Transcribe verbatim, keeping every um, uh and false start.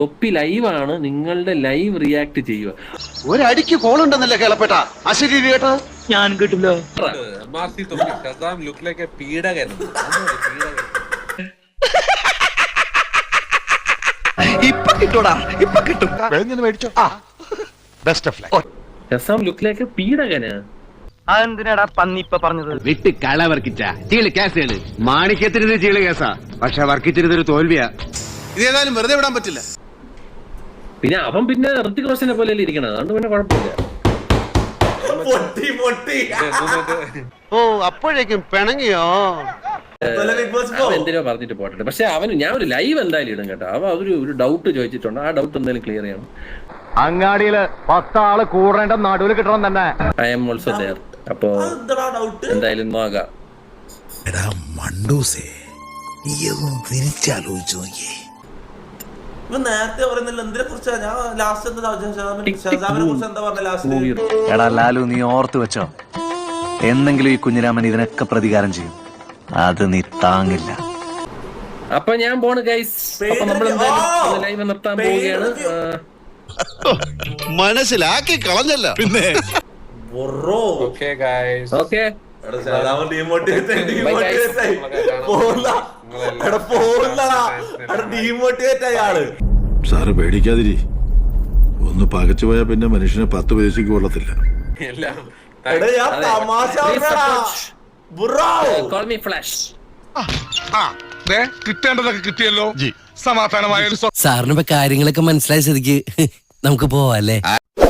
തൊപ്പി ലൈവാണ്, നിങ്ങളുടെ live react ചെയ്യുക. ഒരടിക്ക് കോളുണ്ടെന്നല്ലേ കേളപ്പെട്ട അശരീരി കേട്ടോ? ഞാൻ കേട്ടില്ല. ഇപ്പൊ കിട്ടൂടാ, ഇപ്പൊ കിട്ടും. മേടിച്ചോ. Best of luck. Shazam look like പീഡകന്. അതെന്തിനാടാ പന്നി ഇപ്പൊ പറഞ്ഞത്? വിട്ട് കള വർക്കിച്ച ചീള് കേസാണ്. മാണിക്യത്തിരുന്ന് ചീള് കേസാ, പക്ഷെ വർക്കിച്ചിരുന്നൊരു തോൽവിയാ. ഇതേതായാലും വെറുതെ വിടാൻ പറ്റില്ല. പിന്നെ അവൻ പിന്നെ ഋത്തിക് റോഷനെ പോലെ ഇരിക്കണത്, അതുകൊണ്ട് പിന്നെ കുഴപ്പമില്ല. ഓ അപ്പോഴേക്കും പിണങ്ങിയോ? അവൻ എന്തിനോ പറഞ്ഞിട്ട് പോട്ടെ. പക്ഷെ അവന് ഞാൻ ഒരു ലൈവ് എന്തായാലും ഇടും കേട്ടോ. അവ ഒരു ഒരു ഡൗട്ട് ചോദിച്ചിട്ടുണ്ട്, ആ ഡൗട്ട് എന്തായാലും ക്ലിയർ ചെയ്യണം. അങ്ങാടിയില് പത്താള് കൂടേണ്ട നടുവിൽ കിട്ടണം തന്നെ. I am also there. അപ്പോ എന്തായാലും നോക്കാം. നേരത്തെ പറയുന്നില്ല എന്തിനെ കുറിച്ചാ? ഞാൻ ലാസ്റ്റ് ഷസാമിനെ കുറിച്ച് എന്താ പറഞ്ഞ ലാസ്റ്റ്? എടാ ലാലു, നീ ഓർത്ത് വെച്ചോ, എന്നെങ്കിലും ഈ കുഞ്ഞിരാമൻ ഇതിനൊക്കെ പ്രതികാരം ചെയ്യും. അത് നീ താങ്ങില്ല. അപ്പൊ ഞാൻ പോണ് ഗൈസ്. അപ്പൊ നമ്മൾ എന്തായാലും ലൈവ് നിർത്താൻ പോവുകയാണ്. മനസ്സിലാക്കി കളഞ്ഞല്ല പിന്നെ. ഓക്കെ സാറ് പേടിക്കാതിരി. ഒന്ന് പകച്ചു പോയാൽ പിന്നെ മനുഷ്യനെ പത്ത് പൈസക്ക് കൊള്ളത്തില്ല. കിട്ടേണ്ടതൊക്കെ കിട്ടിയല്ലോ, സമാധാനമായ. സാറിന് ഇപ്പൊ കാര്യങ്ങളൊക്കെ മനസ്സിലായ സ്ഥിതിക്ക് നമുക്ക് പോവാല്ലേ?